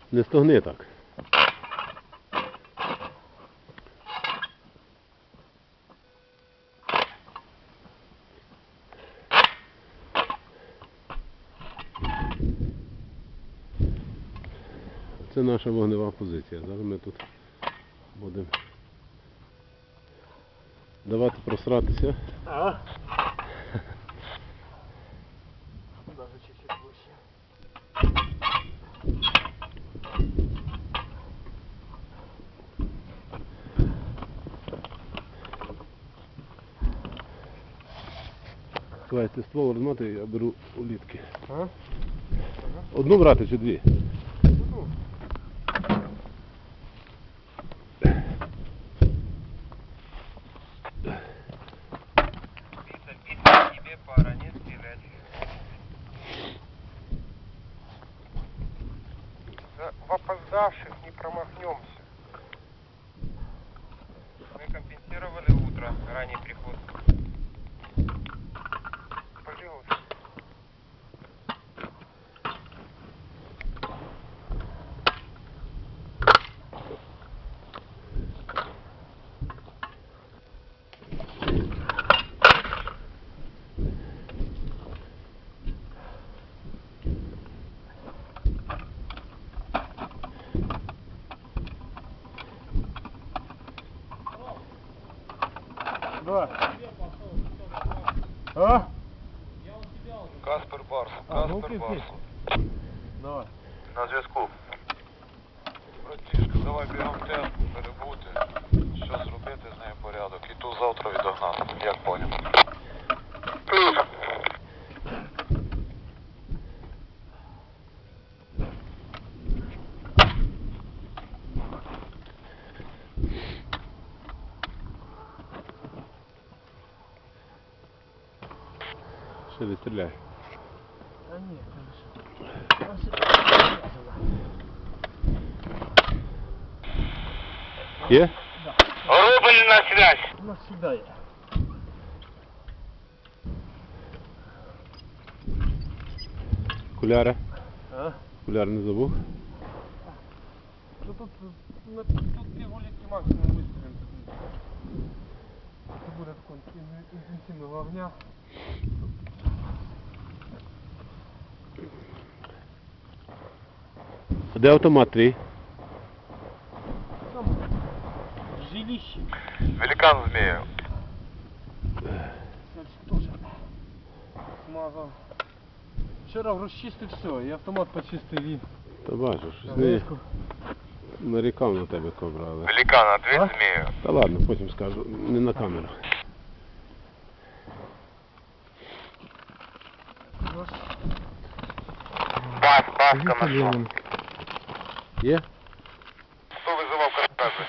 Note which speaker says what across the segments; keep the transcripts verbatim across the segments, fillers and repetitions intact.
Speaker 1: Не стогни так. Це наша вогнева позиція. Зараз ми тут будемо давати просратися.
Speaker 2: А? Даже чуть-чуть выше.
Speaker 1: Давай, ти ствол розмотай, я беру улітки.
Speaker 2: А?
Speaker 1: Одну брати чи дві?
Speaker 3: Тебе пара, не стрелять. В опоздавших не промахнемся. Мы компенсировали утро, ранний приход. Пожалуйста.
Speaker 2: Да. А?
Speaker 3: Каспер Барс.
Speaker 2: А, ну
Speaker 3: Каспер
Speaker 2: окей,
Speaker 3: Барс.
Speaker 2: окей. Давай.
Speaker 3: На зв'язку. Братішка, давай бігом темп, перебути. Що зробити з нею порядок. І ту завтра відогнати, як поняв. Плюс.
Speaker 1: Ще відстріляй.
Speaker 2: А нет, хорошо.
Speaker 1: Є?
Speaker 3: Рубль на связь.
Speaker 2: У нас всегда есть.
Speaker 1: Окуляри?
Speaker 2: А?
Speaker 1: Окуляри не забув?
Speaker 2: Ну тут, ну, тут две гулики максимум выстрелим. Это будет такой интенсивного огня.
Speaker 1: А де автомат твій?
Speaker 2: Там жилище.
Speaker 3: Великан змею.
Speaker 2: Дальше тоже смазал. Вчера расчистил все, и автомат почистил, и
Speaker 1: Та бачу, щось не
Speaker 2: таблетку.
Speaker 1: нарікав на тебе кобрали.
Speaker 3: Великан, ответь
Speaker 2: А?
Speaker 3: змею.
Speaker 1: Та ладно, потім скажу, не на камеру.
Speaker 3: Бас, баска нашел.
Speaker 1: Є?
Speaker 3: Хто визивав картази?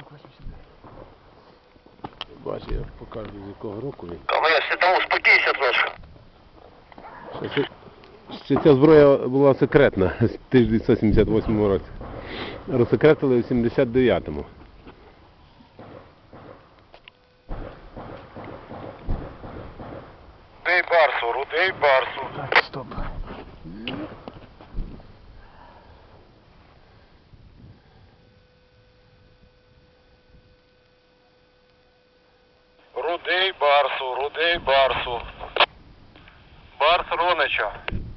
Speaker 1: Бачу, я покажу з якого року він.
Speaker 3: Та я ще там успокійся трошки.
Speaker 1: Ще, це- ще ця зброя була секретна в тисяча дев'ятсот сімдесят восьмому році. Розсекретили в сімдесят дев'ятому.
Speaker 3: Рудий барсу, рудий барсу.
Speaker 2: Так, стоп.
Speaker 3: Рудий барсу, рудий барсу. Барс Ронича.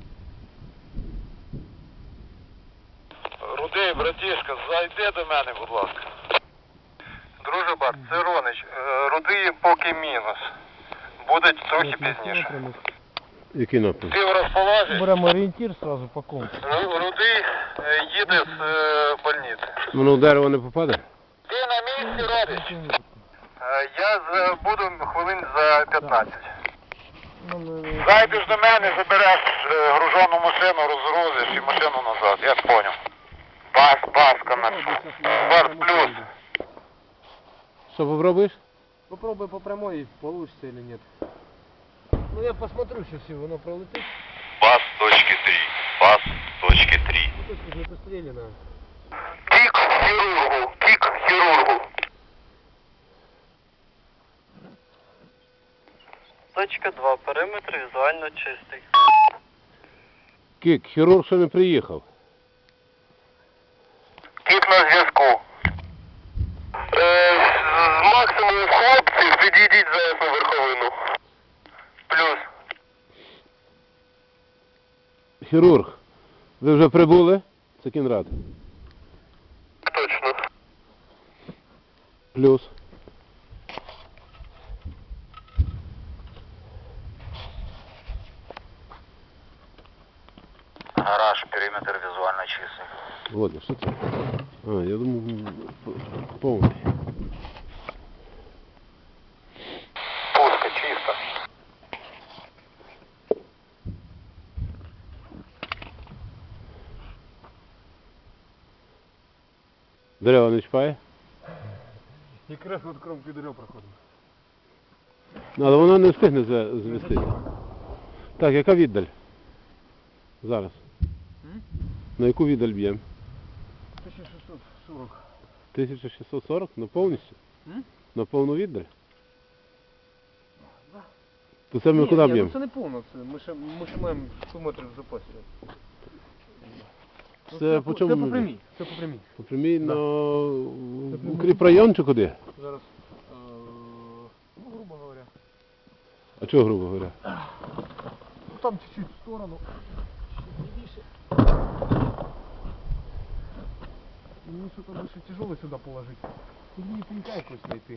Speaker 3: Рудий, братішка, зайди до мене, будь ласка. Друже Барс, це Ронич. Е, Рудий поки мінус. Буде трохи пізніше.
Speaker 1: Який напрям?
Speaker 3: Ти в розположі?
Speaker 2: Беремо орієнтир сразу по компасу.
Speaker 3: Ру- Рудий е, їде з е, больниці.
Speaker 1: Воно в дерево не попаде?
Speaker 3: Ти на місці, Родич? Е, Я з- буду хвилин за п'ятнадцять. Зайдеш до мене, забереш е, гружену машину, розгрузиш і машину назад, я поняв. Бас, баска на Барс плюс.
Speaker 1: Що попробуєш?
Speaker 2: Попробуй по прямой, получится или нет. Ну я посмотрю сейчас, если оно пролетит.
Speaker 3: Бас точки три. Бас точки три.
Speaker 2: Ну точка не постреляна.
Speaker 3: Кік хірургу, кік хірургу.
Speaker 4: Точка два. Периметр візуально чистий.
Speaker 1: Кік, хірург ще не приїхав. хірург, ви вже прибули? Це Кінрад.
Speaker 3: Точно.
Speaker 1: Плюс.
Speaker 5: Гараж, периметр визуально чистый.
Speaker 1: Володя, що це? А, я думав, м, п- повний.
Speaker 3: Пусто, чисто.
Speaker 1: Дерева не чіпає?
Speaker 2: Якраз от кромки дерев проходимо.
Speaker 1: Ну, але воно не встигне за- змістити. Так, яка віддаль? Зараз.
Speaker 2: М?
Speaker 1: На яку віддаль б'ємо?
Speaker 2: тисяча шістсот сорок.
Speaker 1: тисяча шістсот сорок? На повністю?
Speaker 2: М?
Speaker 1: На повну віддаль?
Speaker 2: Да.
Speaker 1: То це ми
Speaker 2: Ні,
Speaker 1: куди
Speaker 2: ні,
Speaker 1: б'ємо?
Speaker 2: ну це не повно, це ми ще, ми ще маємо сто метрів в запасі. Ну,
Speaker 1: Це по чому
Speaker 2: Це
Speaker 1: ми
Speaker 2: по
Speaker 1: б'ємо?
Speaker 2: прямій, це по прямій.
Speaker 1: По прямій
Speaker 2: Да.
Speaker 1: на укріпрайон чи куди?
Speaker 2: Зараз, е, ну, грубо говоря.
Speaker 1: А чого, грубо говоря?
Speaker 2: Ну, там чуть-чуть в сторону. Чуть лівіше. Мені що-то більше тяжело сюди положити. Тут мені пенька якось знайти.